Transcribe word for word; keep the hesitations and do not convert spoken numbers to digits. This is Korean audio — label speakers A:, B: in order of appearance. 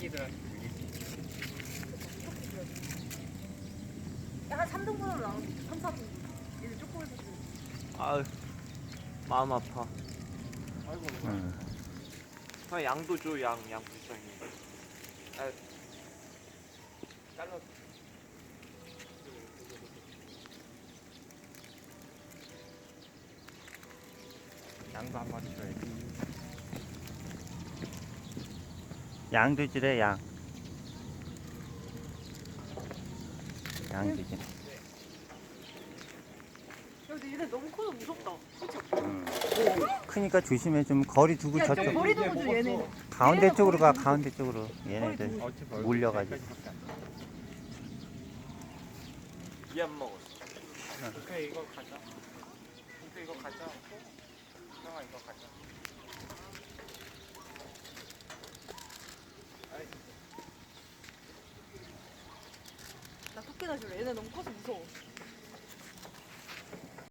A: 새끼들한테 물리지.
B: 한 삼 등분으로 나눠. 삼, 사 등분. 얘는 조금해서 좀.
C: 아유 마음 아파.
A: 아이고.
D: 응.
C: 형 양도 줘, 양, 양 불쌍해. 아, 잘라.
A: 양도 한 마리 줘야지.
D: 양도 주래, 양. 양 주지.
B: 야, 근데 얘네 너무 커서 무섭다. 그치?
D: 응. 크니까 조심해. 좀 거리 두고
B: 야,
D: 저쪽.
B: 저 머리 두고 줘, 얘네.
D: 가운데
B: 얘네가
D: 쪽으로 가,
B: 거리 두고
D: 가운데 쪽으로. 얘네들.
B: 두고.
A: 어찌 멀-
D: 몰려가지고.
A: 여기까지밖에 안 돼.
C: 얘안 먹었어.
A: 그래 이거 가자. 근데 이거 가자. 형아 이거 가자. 아이,
B: 나 토끼나 줄래. 얘네 너무 커서 무서워.